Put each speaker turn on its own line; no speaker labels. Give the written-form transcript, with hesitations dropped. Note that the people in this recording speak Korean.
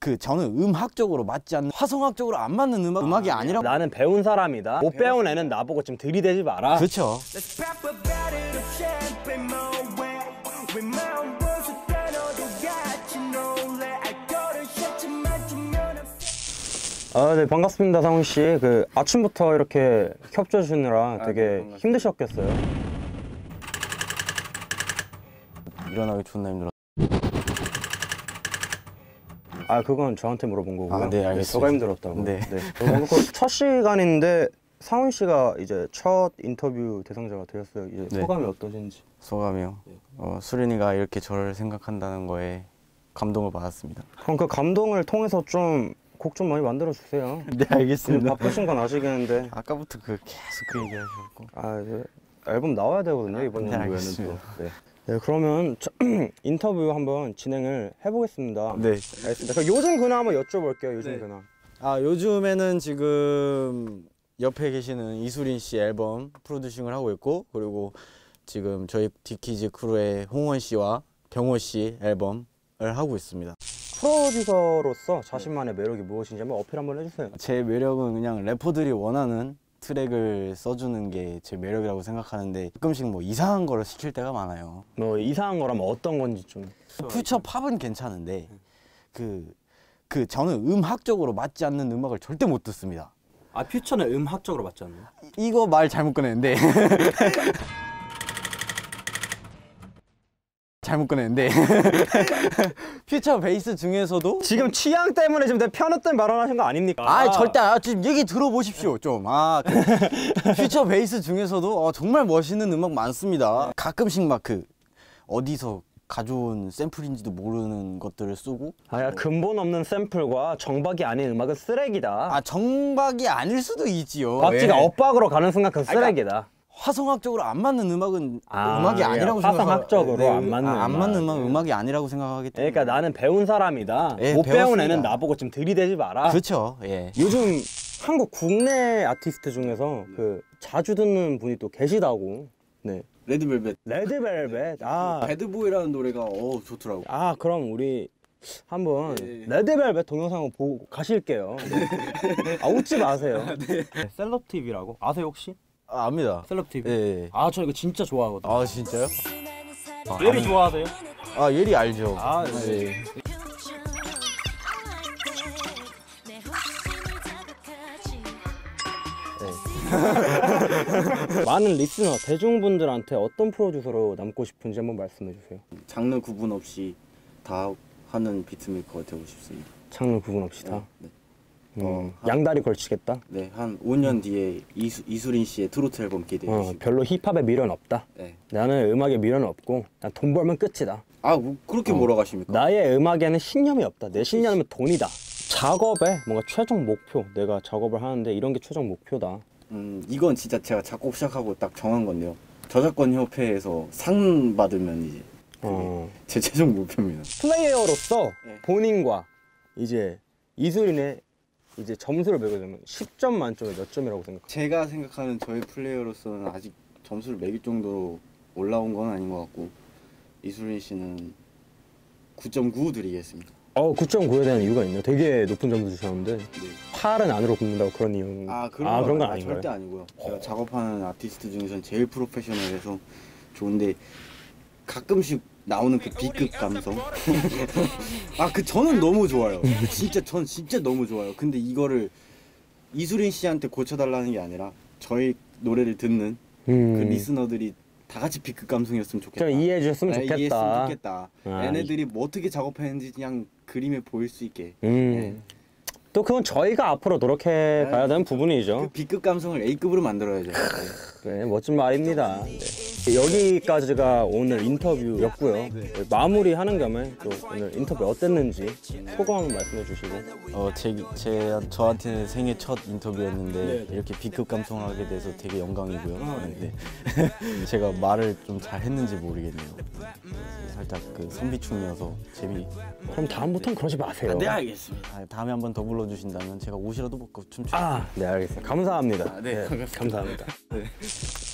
저는 음악적으로 맞지 않는, 화성학적으로 안 맞는 음악이 아니라.
나는 배운 사람이다. 못 배운 애는 나보고 좀 들이대지 마라.
그렇죠.
네, 반갑습니다, 상훈 씨. 아침부터 이렇게 협조 주느라 되게 힘드셨겠어요?
일어나기 존나 힘들어.
그건 저한테 물어본 거고요.
네, 알겠습니다.
저가 힘들었다고.
네.
첫 시간인데 상훈 씨가 이제 첫 인터뷰 대상자가 되었어요. 이제
네.
소감이 어떠신지?
소감이요? 수린이가 이렇게 저를 생각한다는 거에 감동을 받았습니다.
그럼 그 감동을 통해서 좀 곡 좀 많이 만들어 주세요.
네, 알겠습니다.
바쁘신 건 아시겠는데.
아까부터 계속 그 얘기 하셨고.
이제 앨범 나와야 되거든요, 이번
네,
연도에는
알겠습니다.
또. 네, 그러면 인터뷰 한번 진행을 해보겠습니다.
네.
알겠습니다. 그럼 요즘 근황 한번 여쭤볼게요, 요즘 근황.
요즘에는 지금 옆에 계시는 이수린 씨 앨범 프로듀싱을 하고 있고, 그리고 지금 저희 디키즈 크루의 홍원 씨와 병호 씨 앨범을 하고 있습니다.
프로듀서로서 자신만의 매력이 무엇인지 한번 어필 한번 해주세요.
제 매력은 그냥 래퍼들이 원하는 트랙을 써주는 게 제 매력이라고 생각하는데, 가끔씩 뭐 이상한 거를 시킬 때가 많아요.
뭐 이상한 거라면 어떤 건지 좀.
퓨처 팝은 괜찮은데 저는 음악적으로 맞지 않는 음악을 절대 못 듣습니다.
퓨처는 음악적으로 맞지 않나요?
이거 말 잘못 꺼냈는데 퓨처 베이스 중에서도
지금 취향 때문에 지금 내 편협된 발언하신 거 아닙니까?
절대 지금 얘기 들어보십시오 좀. 퓨처 베이스 중에서도 정말 멋있는 음악 많습니다. 가끔씩 막 어디서 가져온 샘플인지도 모르는 것들을 쓰고.
근본 없는 샘플과 정박이 아닌 음악은 쓰레기다.
정박이 아닐 수도 있지요.
박지가 엇박으로 가는 순간 그건 쓰레기다.
화성학적으로 안 맞는 음악은 음악이 아니라고 생각해요.
화성학적으로 안 맞는
음악이 아니라고 생각하기 때문에.
그러니까 나는 배운 사람이다.
네,
못 배운
배웠습니다.
애는 나보고 좀 들이대지 마라.
그렇죠. 예.
요즘 한국 국내 아티스트 중에서 자주 듣는 분이 또 계시다고. 네.
레드벨벳.
배드보이라는
노래가 좋더라고.
그럼 우리 한번
네.
레드벨벳 동영상을 보고 가실게요. 웃지 마세요.
네.
셀럽TV라고 아세요 혹시?
압니다.
셀럽TV.
예.
저 이거 진짜 좋아하거든요.
진짜요?
예리 좋아하세요?
예리 알죠.
네. 많은 리스너, 대중분들한테 어떤 프로듀서로 남고 싶은지 한번 말씀해 주세요.
장르 구분 없이 다 하는 비트메이커가 되고 싶습니다.
장르 구분 없이 다?
네.
양다리 걸치겠다?
네, 한 5년 뒤에 이수린 씨의 트로트 앨범 기대해 주시고.
별로 힙합에 미련 없다?
네.
나는 음악에 미련 없고 난 돈 벌면 끝이다.
그렇게 몰아가십니까?
나의 음악에는 신념이 없다. 내 신념은 돈이다. 작업에 뭔가 최종 목표, 내가 작업을 하는데 이런 게 최종 목표다.
이건 진짜 제가 작곡 시작하고 딱 정한 건데요. 저작권 협회에서 상 받으면 이제 제 최종 목표입니다.
플레이어로서
네.
본인과 이제 이수린의 이제 점수를 매겨주면 10점 만점에 몇 점이라고 생각해요?
제가 생각하는 저희 플레이어로서는 아직 점수를 매길 정도로 올라온 건 아닌 것 같고, 이수린 씨는 9.9 드리겠습니다.
9.9에 대한 이유가 있네요. 되게 높은 점수 주셨는데.
네.
8은 안으로 굽는다고 그런 이유. 그런 건 아닌가요?
절대 아니고요. 제가 작업하는 아티스트 중에서는 제일 프로페셔널해서 좋은데, 가끔씩 나오는 그 B급 감성. 저는 너무 좋아요. 전 진짜 너무 좋아요. 근데 이거를 이수린 씨한테 고쳐달라는 게 아니라 저희 노래를 듣는 그 리스너들이 다 같이 B급 감성이었으면 좋겠다.
좀 이해해 주셨으면 좋겠다.
이해했으면 좋겠다. 얘네들이 뭐 어떻게 작업했는지 그냥 그림에 보일 수 있게.
또 그건 저희가 앞으로 노력해 가야 되는 부분이죠.
그 B급 감성을 A급으로 만들어야죠.
네, 멋진 말입니다. 네. 여기까지가 오늘 인터뷰였고요. 마무리하는 겸에 또 오늘 인터뷰 어땠는지 소감 한번 말씀해 주시고.
저한테는 생애 첫 인터뷰였는데 이렇게 B급 감성을 하게 돼서 되게 영광이고요. 네. 제가 말을 좀 잘했는지 모르겠네요. 살짝 선비충이어서
그럼 다음부터는 그러지 마세요.
네, 알겠습니다. 다음에 한번 더 불러주신다면 제가 옷이라도 벗고 춤추.
네, 알겠습니다. 감사합니다.
네,
감사합니다.
네.